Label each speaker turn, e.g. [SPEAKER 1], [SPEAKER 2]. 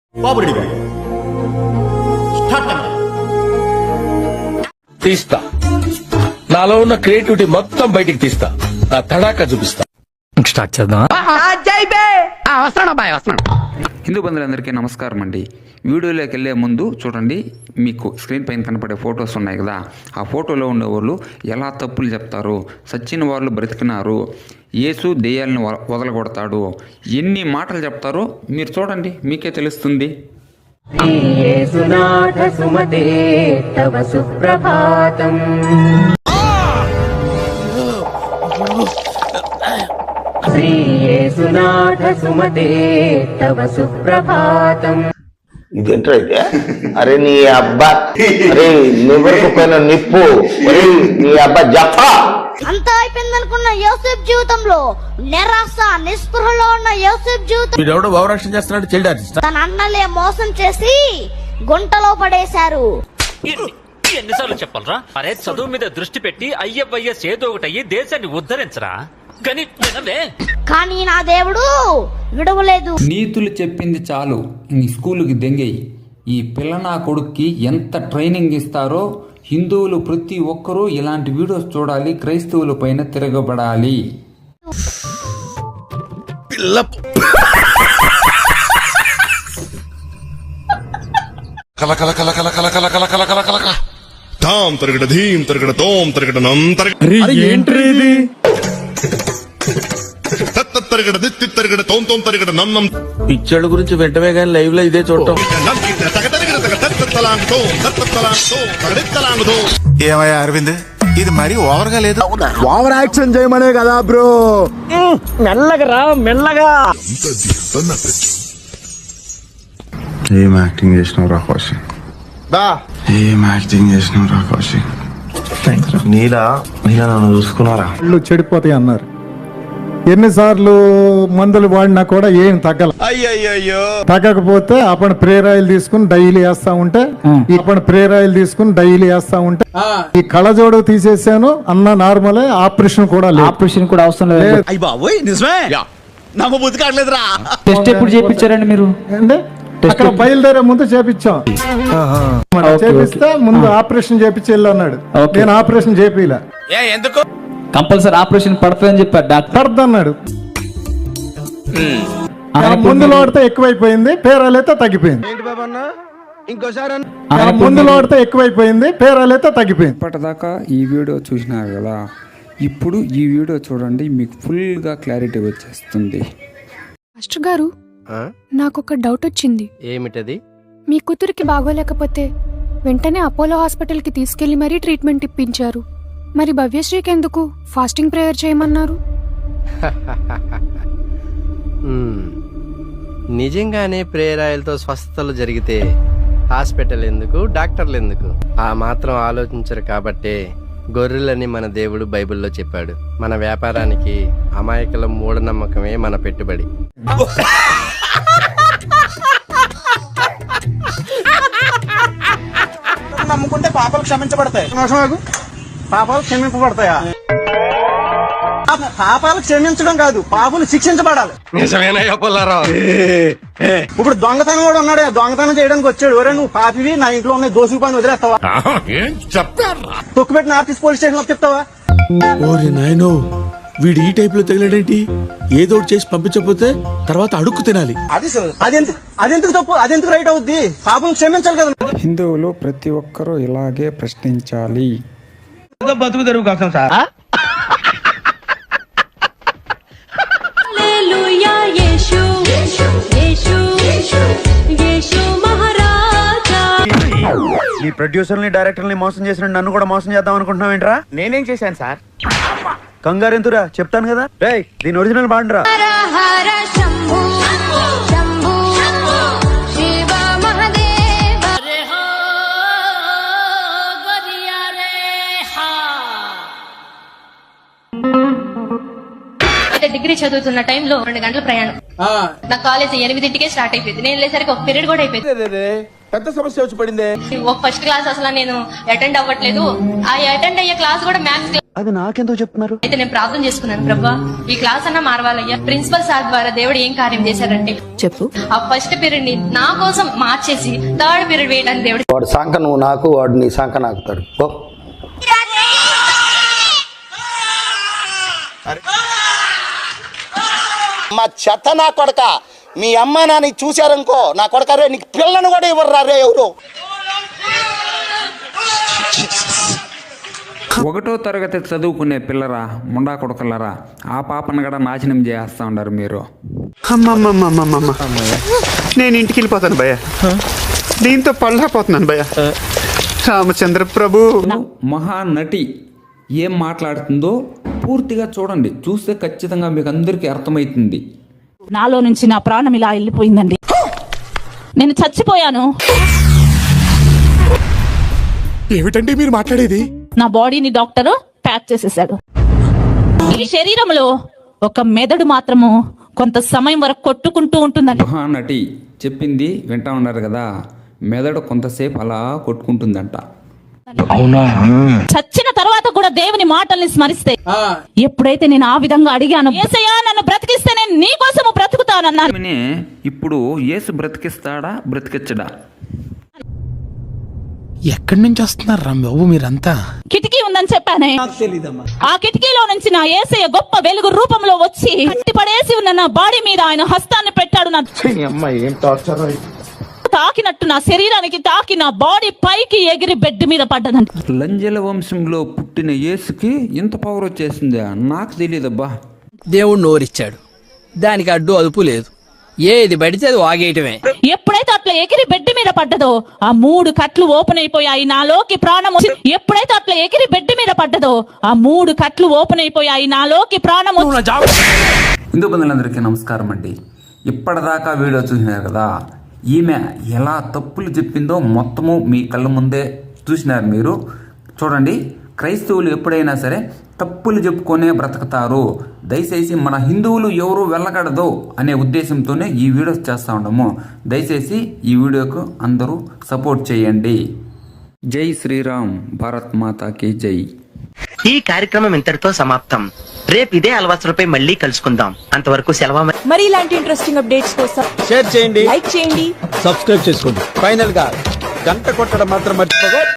[SPEAKER 1] తీస్తా, నాలో ఉన్న క్రియేటివిటీ మొత్తం బయటికి తీస్తా, నా తడాకా చూపిస్తా.
[SPEAKER 2] స్టార్ట్ చేద్దాం.
[SPEAKER 3] హిందూ బంధువులందరికీ నమస్కారం అండి. వీడియోలోకి వెళ్ళే ముందు చూడండి, మీకు స్క్రీన్ పైన కనపడే ఫొటోస్ ఉన్నాయి కదా, ఆ ఫోటోలో ఉండేవాళ్ళు ఎలా తప్పులు చెప్తారు, సచ్చిన వాళ్ళు బ్రతికినారు, యేసు దెయ్యాలను వదలగొడతాడు, ఎన్ని మాటలు చెప్తారో మీరు చూడండి, మీకే తెలుస్తుంది.
[SPEAKER 4] ఇదేంటో అయితే, అరే నీ అబ్బా, అరే నివరకపోయిన నిప్పు, నీ అబ్బా జఫా.
[SPEAKER 5] అంతా అయిపోయింది అనుకున్న యోసేపు జీవితంలో నిరాశ నిస్పృహలో ఉన్న యోసేపు జీవితం తన అన్నలే మోసం చేసి గుంటలో పడేశారు.
[SPEAKER 6] ఎన్నిసార్లు చెప్పాలరా? అరే చదువు మీద దృష్టి పెట్టి అయ్యవయ్యస్ ఏదో ఒకటయ్యి దేశాన్ని ఉద్ధరించరా. కానీ నా దేవుడు విడవలేదు.
[SPEAKER 3] నీతులు చెప్పింది చాలు, నీ స్కూలుకి దెంగేయి. ఈ పిల్ల నా కొడుక్కి ఎంత ట్రైనింగ్ ఇస్తారో. హిందువులు ప్రతి ఒక్కరూ ఇలాంటి వీడియోస్ చూడాలి, క్రైస్తవుల పైన తిరగబడాలి.
[SPEAKER 1] పిచ్చడు గురించి వెంటనే కానీ లైవ్ లో ఇదే చూడటం.
[SPEAKER 7] ఏమయ్యా అరవింద్, ఇది మరీ ఓవర్ గా లేదు?
[SPEAKER 8] ఓవర్ యాక్షన్ చేయమనే కదా బ్రో. మెల్లగా మెల్లగా.
[SPEAKER 7] ఏం యాక్టింగ్ చేసినావు రా కౌశిక్, ఏం యాక్టింగ్ చేసినావు రా కౌశిక్. నీలా నన్ను చూసుకున్నారా?
[SPEAKER 8] చెడిపోతాయి అన్నారు. ఎన్నిసార్లు మందులు వాడినా కూడా ఏం తగ్గల. తగ్గకపోతే అప్పుడు ప్రేరాయిలు తీసుకుని డైలీ వేస్తా ఉంటే ఈ కళ్ళజోడు తీసేసాను అన్న నార్మలే. ఆపరేషన్ కూడా లేదు.
[SPEAKER 2] ఆపరేషన్ కూడా అవసరం లేదు. టెస్ట్ ఎప్పుడు చేయించారండి మీరు?
[SPEAKER 8] అక్కడ బయలుదేరే ముందు చేపించాం. చేపిస్తే ముందు ఆపరేషన్ చేపించి వెళ్ళి అన్నాడు. నేను ఆపరేషన్ చేపిలా.
[SPEAKER 1] ఎందుకు?
[SPEAKER 2] కంపల్సరీ ఆపరేషన్ పడుతుందని చెప్పారు డాక్టర్.
[SPEAKER 8] పడుతున్నాడు. మందులు వాడితే ఎక్కువైపోయింది, పేరాలైతే తగ్గిపోయింది. మందులు వాడితే ఎక్కువైపోయింది, పేరాలైతే తగ్గిపోయింది.
[SPEAKER 3] ఇప్పటిదాకా ఈ వీడియో చూసినారు కదా, ఇప్పుడు ఈ వీడియో చూడండి, మీకు ఫుల్గా క్లారిటీ వచ్చేస్తుంది.
[SPEAKER 9] మాస్టర్ గారు, నాకొక డౌట్ వచ్చింది.
[SPEAKER 10] ఏమిటది?
[SPEAKER 9] మీ కూతురికి బాగోలేకపోతే వెంటనే అపోలో హాస్పిటల్కి తీసుకెళ్లి మరీ ట్రీట్మెంట్ ఇప్పించారు. మరి భవ్యశ్రీకి ఎందుకు ఫాస్టింగ్ ప్రేయర్ చేయమన్నారు?
[SPEAKER 10] నిజంగానే ప్రేయర్ ఆయిల్తో స్వస్థతలు జరిగితే హాస్పిటల్ ఎందుకు, డాక్టర్లు ఎందుకు? ఆ మాత్రం ఆలోచించరు కాబట్టే గొర్రెలని మన దేవుడు బైబిల్లో చెప్పాడు. మన వ్యాపారానికి అమాయకుల మూఢనమ్మకమే మన పెట్టుబడి.
[SPEAKER 11] నమ్ముకుంటే పాపాలు క్షమించబడతాయి. పాపాలు క్షమింపబడతాయా? పాపాలు క్షమించడం కాదు, పాపులు శిక్షించబడాలి.
[SPEAKER 1] నిజమేనయ్యా పుల్లారావు.
[SPEAKER 11] ఇప్పుడు దొంగతనం కూడా ఉన్నాడు. దొంగతనం చేయడానికి వచ్చాడు. ఒరే నువ్వు పాపివి, నా ఇంట్లో ఉన్న దోసుకు పని వదిలేస్తావా? తొక్కుపెట్టిన ఆర్టీసీ పోలీస్ స్టేషన్ లో చెప్తావా?
[SPEAKER 8] ఓరి నాయనో, వీడు ఈ టైప్ లో తగిలాడేంటి? ఏదో చేసి పంపించకపోతే తర్వాత అడుక్కు తినాలి.
[SPEAKER 11] అదెందుకు తప్పు, అదెందుకు రైట్ అవుద్ది? పాపం క్షమించాలి కదా.
[SPEAKER 3] హిందువులు ప్రతి ఒక్కరూ ఇలాగే ప్రశ్నించాలి.
[SPEAKER 11] బతుకు తెరువు కోసం సార్.
[SPEAKER 8] ఈ ప్రొడ్యూసర్ని డైరెక్టర్ని మోసం చేసిన నన్ను కూడా మోసం చేద్దాం అనుకుంటున్నావు ఏంట్రా?
[SPEAKER 11] నేనేం చేశాను సార్?
[SPEAKER 8] కంగారు ఎంతురా, చెప్తాను కదా. రేయ్, దీని ఒరిజినల్ బాండ్రా.
[SPEAKER 9] డిగ్రీ చదువుతున్న టైంలో 2 గంటల ప్రయాణం. నా కాలేజ్ 8ంటికే స్టార్ట్ అయిపోయింది. నేను వెళ్ళేసరికి ఒక పీరియడ్ కూడా అయిపోయింది.
[SPEAKER 8] పెద్ద సమస్య వచ్చి పడింది.
[SPEAKER 9] ఒక ఫస్ట్ క్లాస్ అసలు నేను అటెండ్ అవ్వట్లేదు. ఆ అటెండ్ అయ్యే క్లాస్ కూడా మ్యాథ్స్ క్లాస్.
[SPEAKER 11] అది నాకెందుకు చెప్తున్నారు?
[SPEAKER 12] అయితే నేను ప్రార్థన చేసుకున్నాను, ప్రభా ఈ క్లాస్ అన్న మారవాలయ్యా. ప్రిన్సిపల్ సార్ ద్వారా దేవుడు ఏం కార్యం చేశారంటే చెప్పు. ఆ ఫస్ట్ పీరియడ్ ని నా కోసం మార్చేసి థర్డ్ పీరియడ్ వేయడానికి దేవుడు.
[SPEAKER 11] వాడు సంక నువ్వు నాకు, వాడు నీ సంక నాకుతాడు. మా చెత్త నా కొడక, మీ అమ్మ నాన్న చూశారనుకో, నా కొడక రే నీకు పిల్లను కూడా ఇవ్వరు రే ఎవరు.
[SPEAKER 3] 1వ తరగతి చదువుకునే పిల్లరా, ముండా కొడకలరా, ఆ పాపను కూడా నాశనం చేస్తా ఉన్నారు మీరు.
[SPEAKER 7] నేను ఇంటికి వెళ్ళిపోతాను భయ్య, దీంతో పళ్ళపోతున్నాను భయ్య. రామచంద్ర ప్రభు.
[SPEAKER 3] మహానటి ఏం మాట్లాడుతుందో పూర్తిగా చూడండి, చూస్తే ఖచ్చితంగా మీకు అందరికీ అర్థమవుతుంది.
[SPEAKER 12] నాలో నుంచి నా ప్రాణం ఇలా వెళ్ళిపోయిందండి, నేను చచ్చిపోయాను.
[SPEAKER 7] ఏమిటండి మీరు మాట్లాడేది?
[SPEAKER 12] నా బాడీని డాక్టర్ ప్యాక్ చేసేసాడు. ఈ శరీరంలో ఒక మెదడు మాత్రము కొంత సమయం వరకు కొట్టుకుంటూ ఉంటుందండి.
[SPEAKER 3] మహానటి చెప్పింది వింటా ఉన్నారు కదా, మెదడు కొంతసేపు అలా కొట్టుకుంటుందంట.
[SPEAKER 1] అవునా?
[SPEAKER 12] చచ్చిన తర్వాత కూడా దేవుని మాటల్ని స్మరిస్తే, ఎప్పుడైతే నేను ఆ విధంగా అడిగాను, యేసయ్యా నన్ను బ్రతికిస్తే నేను నీ కోసము బ్రతుకుతానన్నాను.
[SPEAKER 3] ఇప్పుడు యేసు బ్రతికిస్తాడా బ్రతికించడా?
[SPEAKER 7] ఎక్కడి నుంచి వస్తున్నారు బాబు మీరంతా?
[SPEAKER 12] కిటికీ ఉందని చెప్పానే, ఆ కిటికీలో నుంచి నా యేసయ్య గొప్ప వెలుగు రూపంలో వచ్చి కట్టి పడేసి ఉన్న నా బాడీ మీద ఆయన హస్తాన్ని పెట్టాడు. నా తాకినట్టు నా శరీరానికి తాకి నా బాడీ పైకి ఎగిరి బెడ్ మీద పడ్డదంట.
[SPEAKER 3] లంజల వంశంలో పుట్టిన యేసుకి ఇంత పవర్ వచ్చేసిందా? నాకు తెలియదబ్బా.
[SPEAKER 10] దేవుడు నోరిచ్చాడు, దానికి అడ్డు అదుపు లేదు, ఏది పడితే అది వాగేయటమే.
[SPEAKER 12] ఎప్పుడైతే అట్లా ఎగిరి బెడ్ మీద పడ్డదో ఆ 3 కట్లు ఓపెన్ అయిపోయాయి, నాలోకి ప్రాణం. ఎప్పుడైతే అట్లా ఎగిరి బెడ్ మీద పడ్డదో ఆ 3 కట్లు ఓపెన్ అయిపోయాయి, నాలోకి ప్రాణం.
[SPEAKER 3] హిందూ బంధువులందరికీ నమస్కారం అండి. ఇప్పటిదాకా వీడియో చూసినారు కదా, ఈమె ఎలా తప్పులు చెప్పిందో మొత్తము మీ కళ్ళ ముందే చూసినారు మీరు. చూడండి, క్రైస్తవులు ఎప్పుడైనా సరే తప్పులు చెప్పుకొనే బ్రతుకుతారు. దయచేసి మన హిందువులు ఎవరు వెళ్ళకూడదు అనే ఉద్దేశంతోనే ఈ వీడియోస్ చేస్తూ ఉండము. దయచేసి ఈ వీడియోకు అందరూ సపోర్ట్ చేయండి. జై శ్రీరామ్, భారత్ మాతాకి జై.
[SPEAKER 10] ఈ కార్యక్రమం ఇంతటితో సమాప్తం. రేపు ఇదే అలవాసులపై మళ్ళీ కలుసుకుందాం. అంతవరకు సెలవు.
[SPEAKER 12] మరి ఇలాంటి ఇంట్రెస్టింగ్ అప్డేట్స్ కోసం
[SPEAKER 11] షేర్ చేయండి,
[SPEAKER 12] లైక్ చేయండి,
[SPEAKER 11] సబ్స్క్రైబ్ చేసుకోండి. ఫైనల్ గా గంట కొట్టడం మాత్రం మర్చిపోగా.